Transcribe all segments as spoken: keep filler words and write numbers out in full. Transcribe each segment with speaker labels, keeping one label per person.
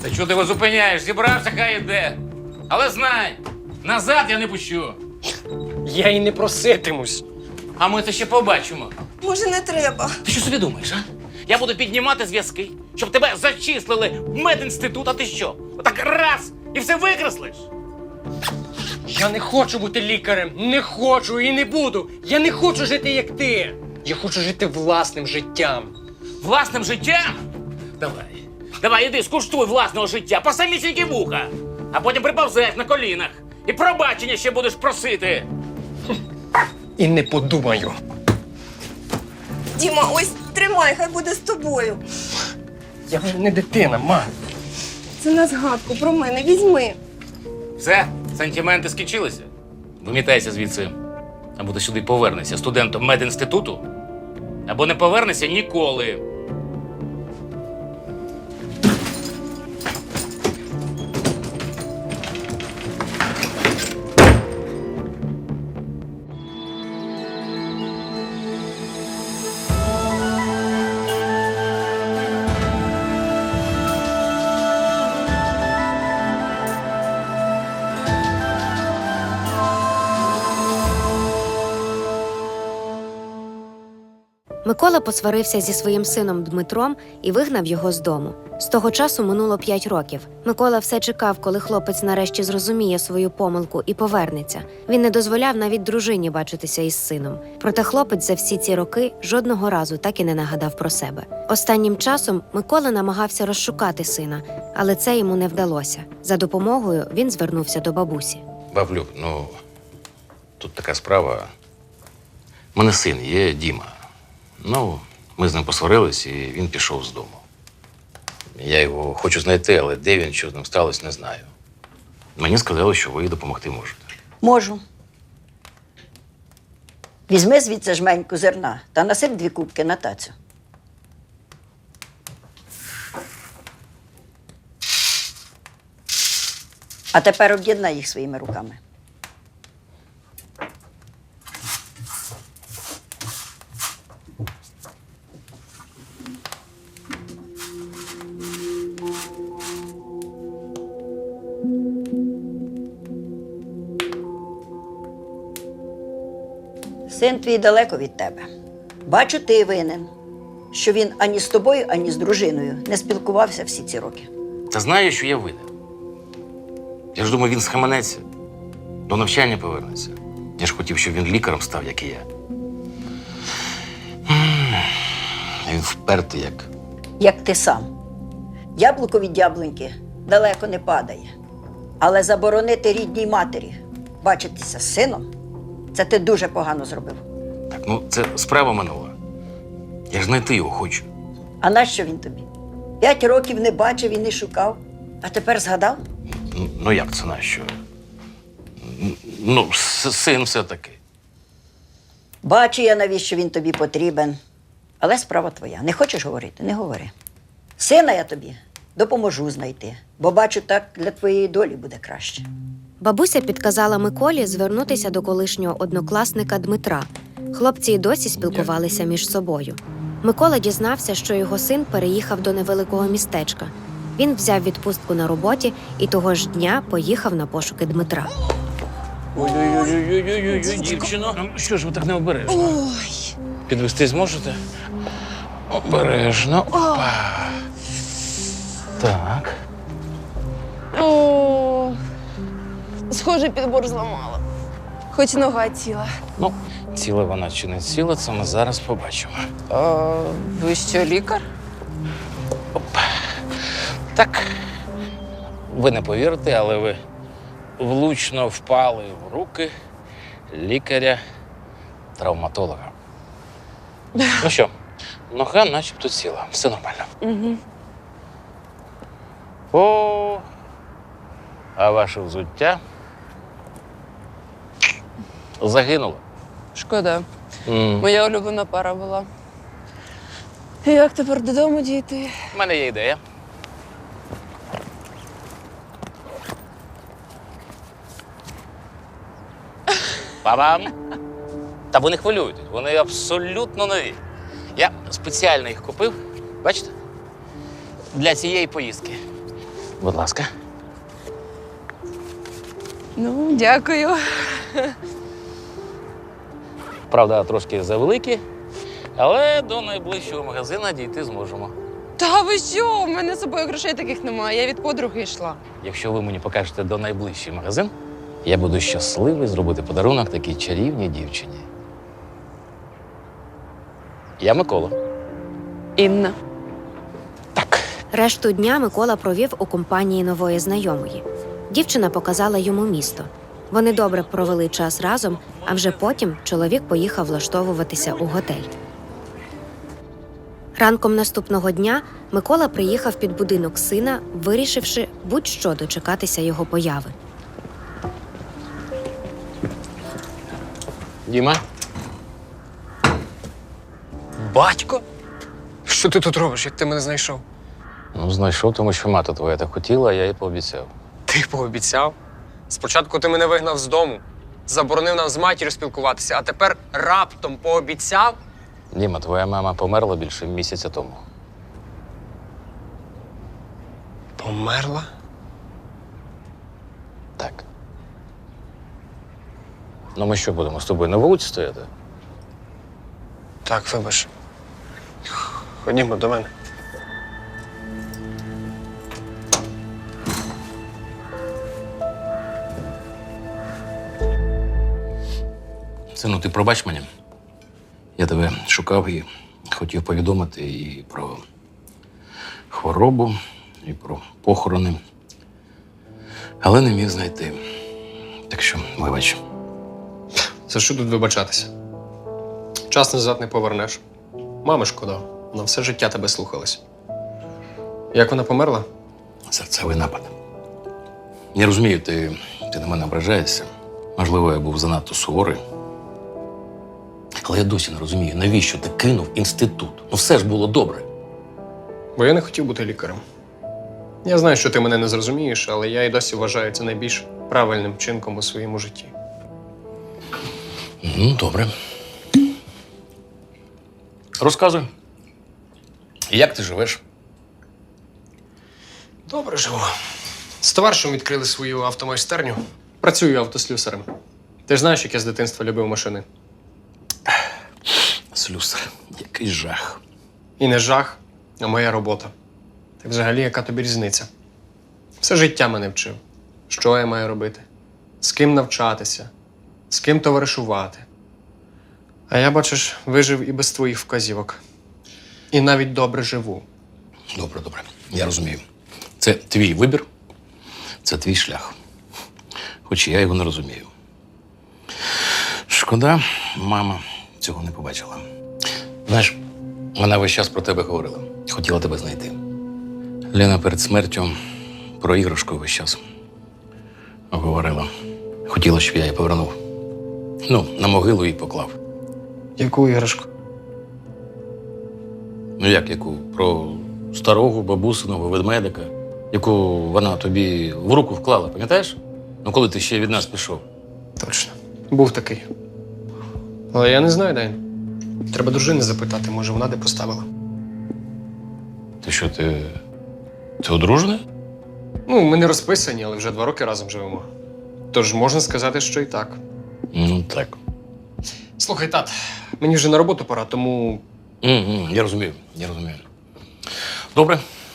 Speaker 1: Та чого ти його зупиняєш? Зібрався, хай іде. Але знай, назад я не пущу.
Speaker 2: Я й не проситимусь.
Speaker 1: А ми це ще побачимо.
Speaker 3: Може, не треба?
Speaker 1: Ти що собі думаєш, а? Я буду піднімати зв'язки, щоб тебе зачислили в медінститут, а ти що? Отак раз і все викреслиш?
Speaker 2: Я не хочу бути лікарем. Не хочу і не буду. Я не хочу жити, як ти. Я хочу жити власним життям.
Speaker 1: Власним життям? Давай. Давай, іди, скуштуй власного життя по самісінькі вуха. А потім приповзеш на колінах. І пробачення ще будеш просити.
Speaker 2: І не подумаю.
Speaker 3: Діма, ось тримай, хай буде з тобою.
Speaker 2: Я вже не дитина, ма.
Speaker 3: Це на згадку про мене, візьми.
Speaker 1: Все, сантименти скінчилися. Вимітайся звідси. Або ти сюди повернешся студентом медінституту, або не повернешся ніколи.
Speaker 4: Микола посварився зі своїм сином Дмитром і вигнав його з дому. З того часу минуло п'ять років. Микола все чекав, коли хлопець нарешті зрозуміє свою помилку і повернеться. Він не дозволяв навіть дружині бачитися із сином. Проте хлопець за всі ці роки жодного разу так і не нагадав про себе. Останнім часом Микола намагався розшукати сина, але це йому не вдалося. За допомогою він звернувся до бабусі.
Speaker 1: Баблюк, ну, тут така справа. У мене син є, Діма. Ну, ми з ним посварились, і він пішов з дому. Я його хочу знайти, але де він, що з ним сталося, не знаю. Мені сказали, що ви допомогти можете.
Speaker 5: Можу. Візьми звідси жменьку зерна та насип дві кубки на тацю. А тепер об'єднай їх своїми руками. Син твій далеко від тебе. Бачу, ти винен, що він ані з тобою, ані з дружиною не спілкувався всі ці роки.
Speaker 1: Та знаю, що я винен. Я ж думаю, він схаменеться, до навчання повернеться. Я ж хотів, щоб він лікарем став, як і я. А він впертий, як.
Speaker 5: Як ти сам. Яблуко від яблуньки далеко не падає. Але заборонити рідній матері бачитися з сином – це ти дуже погано зробив.
Speaker 1: Так, ну це справа минула. Я ж знайти його хочу.
Speaker 5: А нащо він тобі? П'ять років не бачив і не шукав, а тепер згадав?
Speaker 1: Ну, ну як це нащо? Ну, с- син все-таки.
Speaker 5: Бачу я, навіщо він тобі потрібен. Але справа твоя. Не хочеш говорити? Не говори. Сина я тобі допоможу знайти, бо бачу, так для твоєї долі буде краще.
Speaker 4: Бабуся підказала Миколі звернутися до колишнього однокласника Дмитра. Хлопці й досі спілкувалися між собою. Микола дізнався, що його син переїхав до невеликого містечка. Він взяв відпустку на роботі і того ж дня поїхав на пошуки Дмитра.
Speaker 1: Ой-ой-ой, дівчино. Ну, що ж ви так необережно?
Speaker 3: Ой.
Speaker 1: Підвести зможете? Обережно. Опа. Так.
Speaker 3: О, схоже, підбор зламала. Хоч нога ціла.
Speaker 1: Ну, ціла вона чи не ціла, це ми зараз побачимо.
Speaker 3: А, ви що, лікар?
Speaker 1: Так, ви не повірите, але ви влучно впали в руки лікаря-травматолога. Ну що, нога начебто ціла, все нормально.
Speaker 3: Угу.
Speaker 1: О, а ваше взуття загинуло.
Speaker 3: Шкода.
Speaker 1: М.
Speaker 3: Моя улюблена пара була. І як тепер додому дійти?
Speaker 1: У мене є ідея. Па-бам! Та ви не хвилюйтесь, вони абсолютно нові. Я спеціально їх купив, бачите? Для цієї поїздки. Будь ласка.
Speaker 3: Ну, дякую.
Speaker 1: Правда, трошки завеликі, але до найближчого магазину дійти зможемо.
Speaker 3: Та ви що? У мене з собою грошей таких немає. Я від подруги йшла.
Speaker 1: Якщо ви мені покажете до найближчий магазин, я буду щасливий зробити подарунок такій чарівній дівчині. Я Микола.
Speaker 3: Інна.
Speaker 1: Так.
Speaker 4: Решту дня Микола провів у компанії нової знайомої. Дівчина показала йому місто. Вони добре провели час разом, а вже потім чоловік поїхав влаштовуватися у готель. Ранком наступного дня Микола приїхав під будинок сина, вирішивши будь-що дочекатися його появи.
Speaker 1: Діма?
Speaker 2: Батько? Що ти тут робиш, як ти мене знайшов?
Speaker 1: Ну, знайшов, тому що мати твоя так хотіла, а я їй пообіцяв.
Speaker 2: Ти пообіцяв? Спочатку ти мене вигнав з дому, заборонив нам з матір'ю спілкуватися, а тепер раптом пообіцяв?
Speaker 1: Діма, твоя мама померла більше місяця тому.
Speaker 2: Померла?
Speaker 1: Так. Ну ми що, будемо з тобою на вулиці стояти?
Speaker 2: Так, вибач. Ходімо до мене.
Speaker 1: Сину, ти пробач мені. Я тебе шукав і хотів повідомити і про хворобу, і про похорони. Але не міг знайти. Так що, вибач.
Speaker 2: За що тут вибачатися? Час назад не повернеш. Мами шкода, вона все життя тебе слухалась. Як вона померла?
Speaker 1: Серцевий напад. Я розумію, ти, ти на мене ображаєшся. Можливо, я був занадто суворий. Але я досі не розумію, навіщо ти кинув інститут? Ну все ж було добре.
Speaker 2: Бо я не хотів бути лікарем. Я знаю, що ти мене не зрозумієш, але я і досі вважаю це найбільш правильним вчинком у своєму житті.
Speaker 1: Ну, добре. Розказуй. Як ти живеш?
Speaker 2: Добре живу. З товаришем відкрили свою автомайстерню. Працюю автослюсарем. Ти ж знаєш, як я з дитинства любив машини.
Speaker 1: Слюсар, який жах.
Speaker 2: І не жах, а моя робота. Та взагалі, яка тобі різниця? Все життя мене вчив. Що я маю робити? З ким навчатися? З ким товаришувати? А я, бачиш, вижив і без твоїх вказівок. І навіть добре живу.
Speaker 1: Добре, добре. Я розумію. Це твій вибір, це твій шлях. Хоч я його не розумію. Шкода, мама цього не побачила. Знаєш, вона весь час про тебе говорила. Хотіла тебе знайти. Лена перед смертю про іграшку весь час говорила. Хотіла, щоб я її повернув. Ну, на могилу її поклав.
Speaker 2: Яку іграшку?
Speaker 1: Ну як, яку? Про старого бабусиного ведмедика, яку вона тобі в руку вклала, пам'ятаєш? Ну, коли ти ще від нас пішов.
Speaker 2: Точно. Був такий. Але я не знаю, де він. Треба дружини запитати, може вона де поставила.
Speaker 1: Ти що, ти. Ти одружений?
Speaker 2: Ну, ми не розписані, але вже два роки разом живемо. Тож можна сказати, що і так.
Speaker 1: Ну, так.
Speaker 2: Слухай, тат, мені вже на роботу пора, тому
Speaker 1: М-м, я розумію, я розумію. Добре.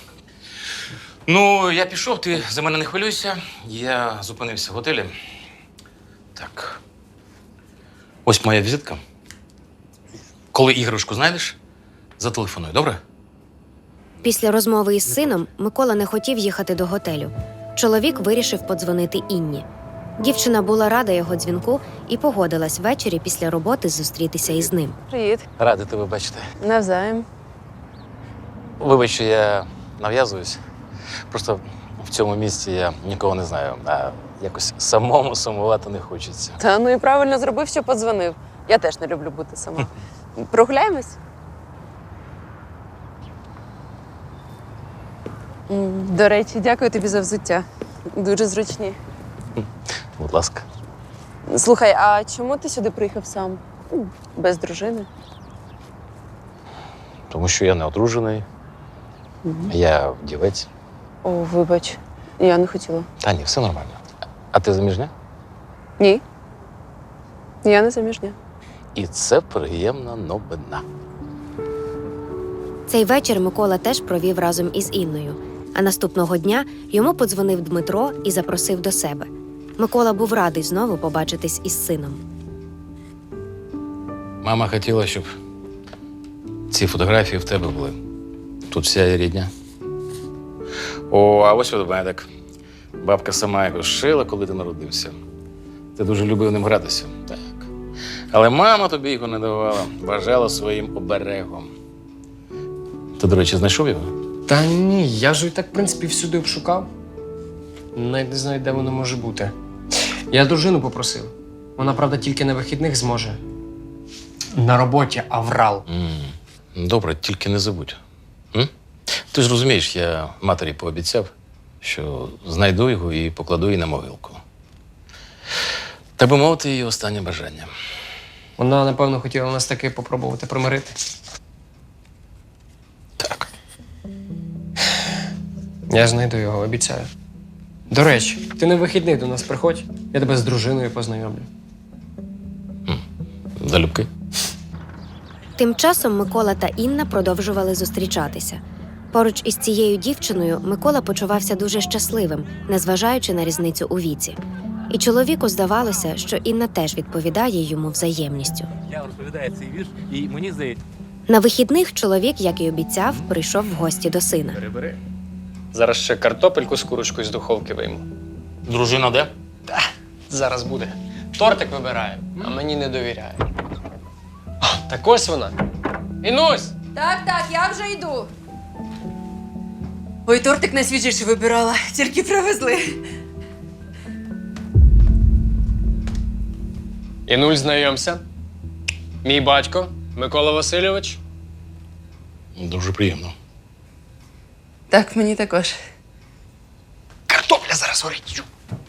Speaker 1: Ну, я пішов, ти за мене не хвилюйся. Я зупинився в готелі. Так. Ось моя візитка. Коли іграшку знайдеш, зателефонуй, добре?
Speaker 4: Після розмови із сином Микола не хотів їхати до готелю. Чоловік вирішив подзвонити Інні. Дівчина була рада його дзвінку і погодилась ввечері після роботи зустрітися із ним.
Speaker 3: Привіт.
Speaker 1: Радий тебе бачити.
Speaker 3: Навзаєм.
Speaker 1: Вибач, що я нав'язуюсь. Просто в цьому місці я нікого не знаю, а якось самому сумувати не хочеться.
Speaker 3: Та ну і правильно зробив, що подзвонив. Я теж не люблю бути сама. Прогуляємось? М, До речі, дякую тобі за взуття. Дуже зручні.
Speaker 1: Будь ласка.
Speaker 3: Слухай, а чому ти сюди приїхав сам? М, Без дружини?
Speaker 1: Тому що я не одружений, я вдівець.
Speaker 3: О, вибач. Я не хотіла.
Speaker 1: Та ні, все нормально. А ти заміжня?
Speaker 3: Ні. Я не заміжня.
Speaker 1: І це приємна новина.
Speaker 4: Цей вечір Микола теж провів разом із Інною. А наступного дня йому подзвонив Дмитро і запросив до себе. Микола був радий знову побачитись із сином.
Speaker 1: Мама хотіла, щоб ці фотографії в тебе були. Тут вся її рідня. О, а ось ведмедик. Бабка сама його шила, коли ти народився. Ти дуже любив ним гратися. Так. Але мама тобі його не давала, вважала своїм оберегом. Ти, до речі, знайшов його?
Speaker 2: Та ні, я ж і так, в принципі, всюди обшукав. Навіть не знаю, де воно може бути. Я дружину попросив. Вона, правда, тільки на вихідних зможе. На роботі аврал.
Speaker 1: М, Добре, тільки не забудь. М? Ти ж розумієш, я матері пообіцяв, що знайду його і покладу її на могилку. Так би мовити, її останнє бажання.
Speaker 2: Вона, напевно, хотіла нас таки попробувати примирити.
Speaker 1: Так.
Speaker 2: Я знайду його, обіцяю. До речі, ти на вихідних до нас приходь, я тебе з дружиною познайомлю.
Speaker 1: Залюбки.
Speaker 4: Тим часом Микола та Інна продовжували зустрічатися. Поруч із цією дівчиною Микола почувався дуже щасливим, незважаючи на різницю у віці. І чоловіку здавалося, що Інна теж відповідає йому взаємністю.
Speaker 6: Я розповідаю цей вірш, і мені здається,
Speaker 4: На вихідних чоловік, як і обіцяв, прийшов в гості до сина.
Speaker 2: Бери-бери. Зараз ще картопельку з курочкою з духовки вийму.
Speaker 1: Дружина де?
Speaker 2: Зараз буде. Тортик вибирає, а мені не довіряє. А, так ось вона. Інусь!
Speaker 3: Так, так, я вже йду. Ой, тортик найсвіжіший вибирала, тільки привезли.
Speaker 2: Інуль, знайомся. Мій батько Микола Васильович.
Speaker 1: Дуже приємно.
Speaker 3: Так, мені також.
Speaker 2: Картопля зараз горить.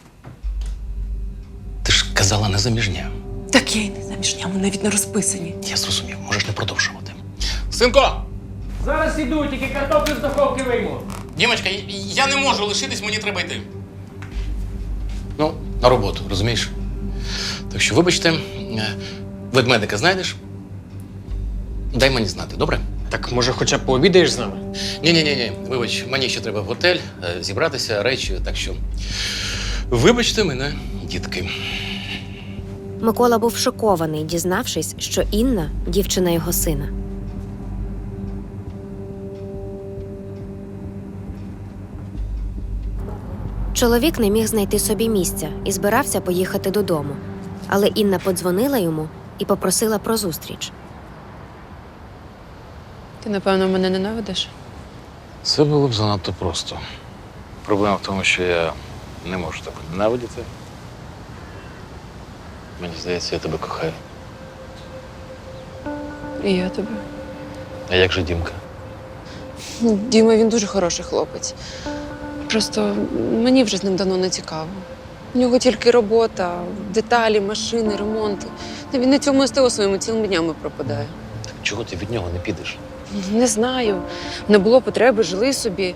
Speaker 1: Ти ж казала не заміжня.
Speaker 3: Так я й не заміжня, ми навіть не розписані.
Speaker 1: Я зрозумів, можеш не продовжувати. Синко!
Speaker 2: Зараз іду, тільки картоплю з духовки вийму.
Speaker 1: Дімочка, я не можу лишитись, мені треба йти. Ну, на роботу, розумієш? Так що, вибачте, е, ведмедика знайдеш? Дай мені знати, добре?
Speaker 2: Так, може, хоча б пообідаєш з нами?
Speaker 1: Ні-ні-ні, вибач, мені ще треба в готель, е, зібратися, речі, так що. Вибачте мене, дітки.
Speaker 4: Микола був шокований, дізнавшись, що Інна – дівчина його сина. Чоловік не міг знайти собі місця і збирався поїхати додому. Але Інна подзвонила йому і попросила про зустріч.
Speaker 3: Ти, напевно, мене ненавидиш?
Speaker 1: Це було б занадто просто. Проблема в тому, що я не можу тебе ненавидіти. Мені здається, я тебе кохаю.
Speaker 3: І я тебе.
Speaker 1: А як же Дімка?
Speaker 3: Ну, Діма, він дуже хороший хлопець. Просто мені вже з ним давно не цікаво. У нього тільки робота, деталі, машини, ремонти. Та він на цьому СТО своїми цілими днями пропадає.
Speaker 1: Так чого ти від нього не підеш?
Speaker 3: Не знаю. Не було потреби, жили собі.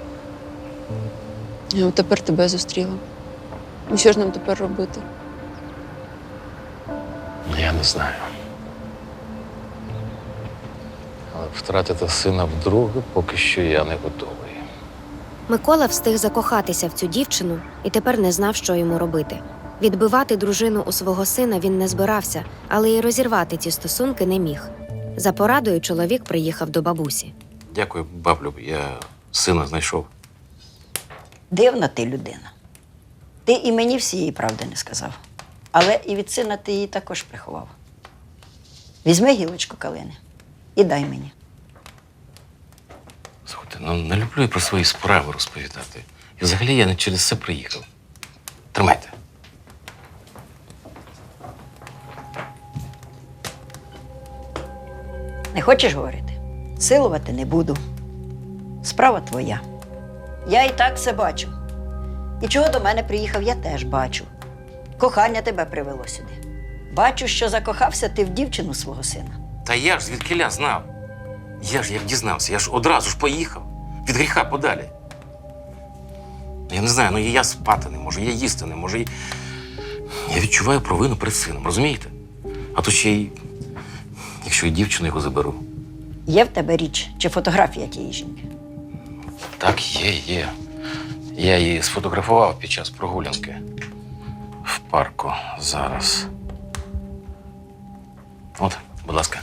Speaker 3: А от тепер тебе зустріла. І що ж нам тепер робити?
Speaker 1: Я не знаю. Але втратити сина вдруге поки що я не готовий.
Speaker 4: Микола встиг закохатися в цю дівчину і тепер не знав, що йому робити. Відбивати дружину у свого сина він не збирався, але й розірвати ці стосунки не міг. За порадою чоловік приїхав до бабусі.
Speaker 1: Дякую, баблю, я сина знайшов.
Speaker 5: Дивна ти людина. Ти і мені всієї правди не сказав. Але і від сина ти її також приховав. Візьми гілочку калини і дай мені.
Speaker 1: Слухайте, ну не люблю я про свої справи розповідати. І взагалі я не через це приїхав. Тримайте.
Speaker 5: Не хочеш говорити? Силувати не буду. Справа твоя. Я і так все бачу. І чого до мене приїхав, я теж бачу. Кохання тебе привело сюди. Бачу, що закохався ти в дівчину свого сина.
Speaker 1: Та я ж звідкиля знав. Я ж як дізнався, я ж одразу ж поїхав. Від гріха подалі. Я не знаю, ну і я спати не можу, я їсти не можу. І... Я відчуваю провину перед сином, розумієте? А то ще й, якщо і дівчину його заберу.
Speaker 5: Є в тебе річ чи фотографія тієї жінки?
Speaker 1: Так, є, є. Я її сфотографував під час прогулянки в парку зараз. От, будь ласка.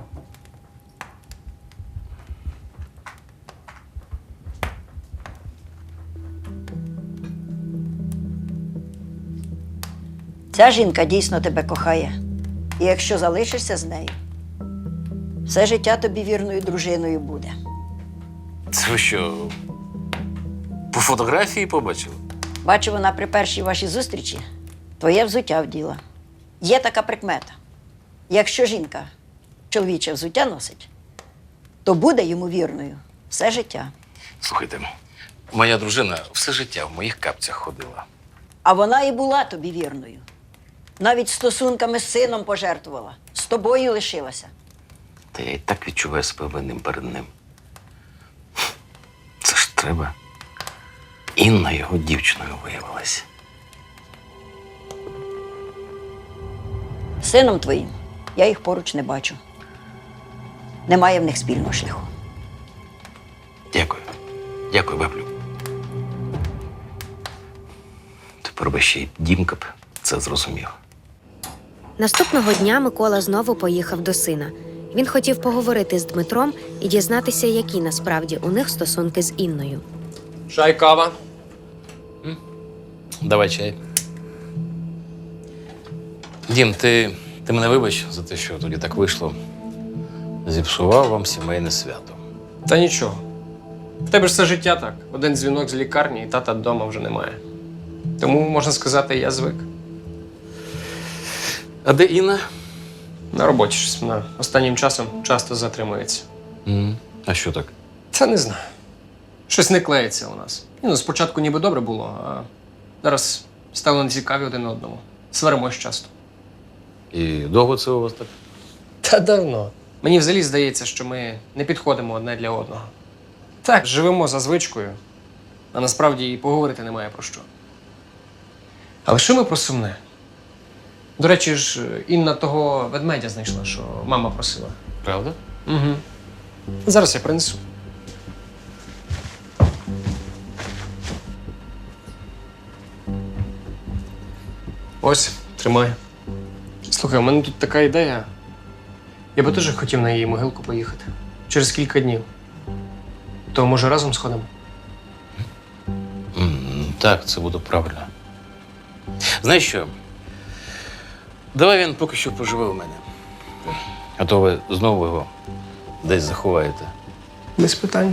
Speaker 5: Ця жінка дійсно тебе кохає. І якщо залишишся з нею, все життя тобі вірною дружиною буде.
Speaker 1: Це ви що, по фотографії побачили?
Speaker 5: Бачу, вона при першій вашій зустрічі твоє взуття вділа. Є така прикмета. Якщо жінка чоловіче взуття носить, то буде йому вірною все життя.
Speaker 1: Слухайте, моя дружина все життя в моїх капцях ходила.
Speaker 5: А вона і була тобі вірною. Навіть стосунками з сином пожертвувала. З тобою лишилася.
Speaker 1: Та я і так відчуваю себе винним перед ним. Це ж треба. Інна його дівчиною виявилась.
Speaker 5: З сином твоїм я їх поруч не бачу. Немає в них спільного шляху.
Speaker 1: Дякую. Дякую, баблю. Тепер би ще й Дімка б це зрозумів.
Speaker 4: Наступного дня Микола знову поїхав до сина. Він хотів поговорити з Дмитром і дізнатися, які насправді у них стосунки з Інною.
Speaker 2: Чай, кава.
Speaker 1: Давай чай. Дім, ти, ти мене вибач за те, що тоді так вийшло. Зіпсував вам сімейне свято.
Speaker 2: Та нічого. В тебе ж все життя так. Один дзвінок з лікарні, і тата вдома вже немає. Тому, можна сказати, я звик.
Speaker 1: А де Інна?
Speaker 2: На роботі щось вона останнім часом часто затримується.
Speaker 1: М, А що так?
Speaker 2: Та не знаю. Щось не клеїться у нас. Ні, ну, спочатку ніби добре було, а зараз стало нецікаві один одному. Сваримось часто.
Speaker 1: І довго це у вас так?
Speaker 2: Та давно. Мені взагалі здається, що ми не підходимо одне для одного. Так, живемо за звичкою, а насправді і поговорити немає про що. Але що ми про сумне? До речі ж, Інна того ведмедя знайшла, що мама просила.
Speaker 1: Правда?
Speaker 2: Угу. Зараз я принесу. Ось, тримай. Слухай, у мене тут така ідея. Я би теж хотів на її могилку поїхати. Через кілька днів. То, може, разом сходимо?
Speaker 1: М, Так, це буде правильно. Знаєш що? Давай він поки що поживе у мене. А то ви знову його десь заховаєте.
Speaker 2: Без питань.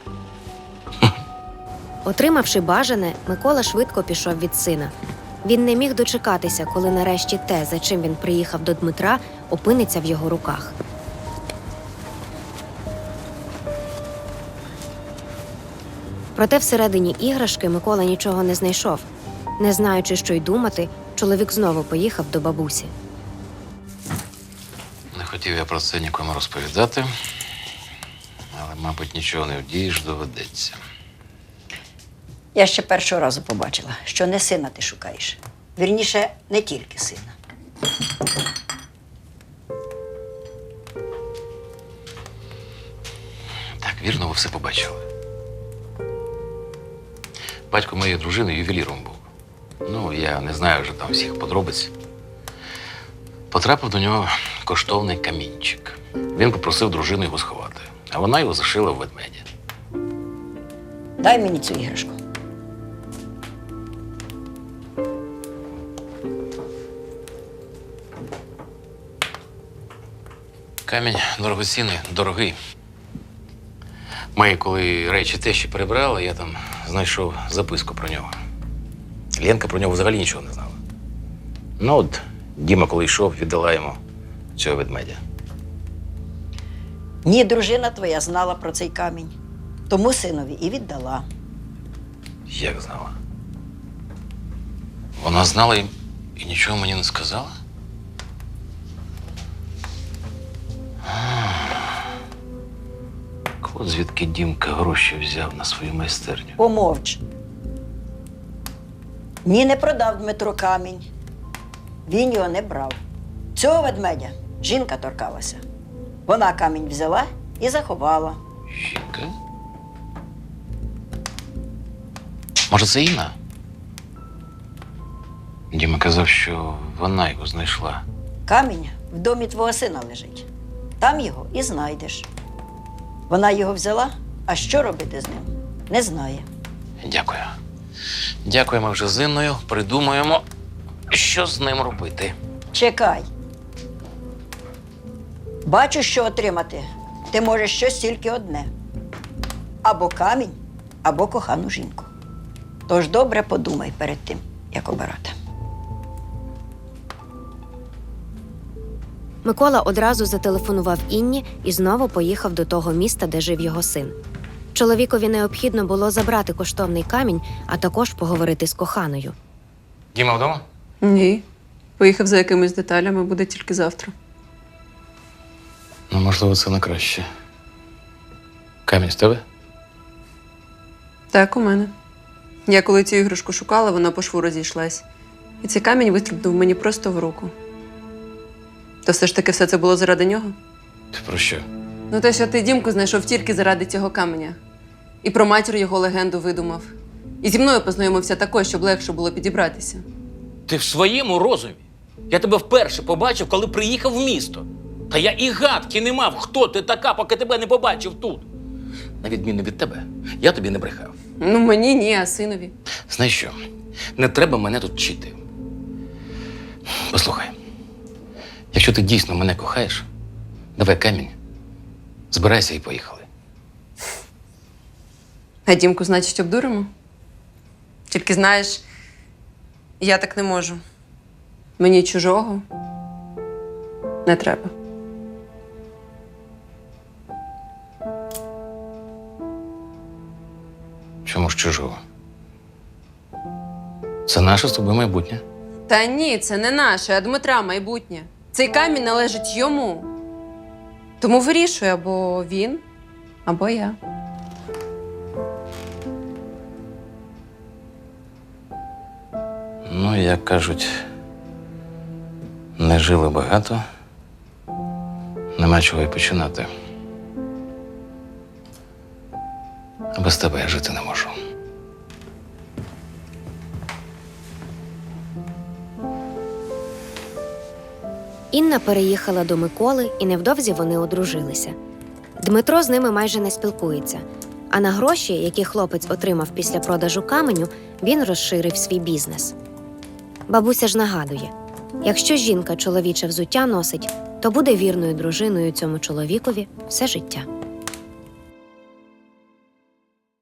Speaker 4: Отримавши бажане, Микола швидко пішов від сина. Він не міг дочекатися, коли нарешті те, за чим він приїхав до Дмитра, опиниться в його руках. Проте всередині іграшки Микола нічого не знайшов. Не знаючи, що й думати, чоловік знову поїхав до бабусі.
Speaker 1: Не хотів я про це нікому розповідати, але, мабуть, нічого не вдієш, доведеться.
Speaker 5: Я ще першого разу побачила, що не сина ти шукаєш. Вірніше, не тільки сина.
Speaker 1: Так, вірно, ви все побачили. Батько моєї дружини ювеліром був. Ну, я не знаю вже там всіх подробиць. Потрапив до нього коштовний камінчик. Він попросив дружину його сховати, а вона його зашила в ведмедя.
Speaker 5: Дай мені цю іграшку.
Speaker 1: Камінь дорогоцінний, дорогий. Ми, коли речі тещі перебрали, я там знайшов записку про нього. Ленка про нього взагалі нічого не знала. Ну от, Діма, коли йшов, віддала йому цього ведмедя.
Speaker 5: Ні, дружина твоя знала про цей камінь. Тому синові і віддала.
Speaker 1: Як знала? Вона знала і, і нічого мені не сказала? А, от звідки Дімка гроші взяв на свою майстерню.
Speaker 5: Помовч. Ні, не продав Дмитро камінь. Він його не брав. Цього ведмедя жінка торкалася. Вона камінь взяла і заховала.
Speaker 1: Жінка? Може, це Інна? Діма казав, що вона його знайшла.
Speaker 5: Камінь в домі твого сина лежить. Там його і знайдеш. Вона його взяла, а що робити з ним, не знає.
Speaker 1: Дякую. Дякуємо вже з Інною. Придумаємо, що з ним робити.
Speaker 5: Чекай. Бачу, що отримати. Ти можеш щось тільки одне. Або камінь, або кохану жінку. Тож добре подумай перед тим, як обирати.
Speaker 4: Микола одразу зателефонував Інні і знову поїхав до того міста, де жив його син. Чоловікові необхідно було забрати коштовний камінь, а також поговорити з коханою.
Speaker 1: Діма вдома?
Speaker 3: Ні. Поїхав за якимись деталями, буде тільки завтра.
Speaker 1: Ну, можливо, це на краще. Камінь з тебе?
Speaker 3: Так, у мене. Я коли цю іграшку шукала, вона по шву розійшлась. І цей камінь вистрибнув мені просто в руку. То все ж таки все це було заради нього?
Speaker 1: Ти про що?
Speaker 3: Ну, те, що ти Дімку знайшов тільки заради цього каменя. І про матір його легенду видумав. І зі мною познайомився також, щоб легше було підібратися.
Speaker 6: Ти в своєму розумі? Я тебе вперше побачив, коли приїхав в місто. Та я і гадки не мав, хто ти така, поки тебе не побачив тут. На відміну від тебе, я тобі не брехав.
Speaker 3: Ну, мені ні, а синові.
Speaker 1: Знаєш що? Не треба мене тут вчити. Послухай, якщо ти дійсно мене кохаєш, давай камінь, збирайся і поїхали.
Speaker 3: А Дімку, значить, обдуримо? Тільки знаєш, я так не можу. Мені чужого не треба.
Speaker 1: Чому ж чужого? Це наше з тобою майбутнє.
Speaker 3: Та ні, це не наше, а Дмитра майбутнє. Цей камінь належить йому. Тому вирішуй або він, або я.
Speaker 1: Ну, як кажуть, не жили багато, нема чого й починати. А без тебе я жити не можу.
Speaker 4: Інна переїхала до Миколи, і невдовзі вони одружилися. Дмитро з ними майже не спілкується, а на гроші, які хлопець отримав після продажу каменю, він розширив свій бізнес. Бабуся ж нагадує, якщо жінка чоловіче взуття носить, то буде вірною дружиною цьому чоловікові все життя.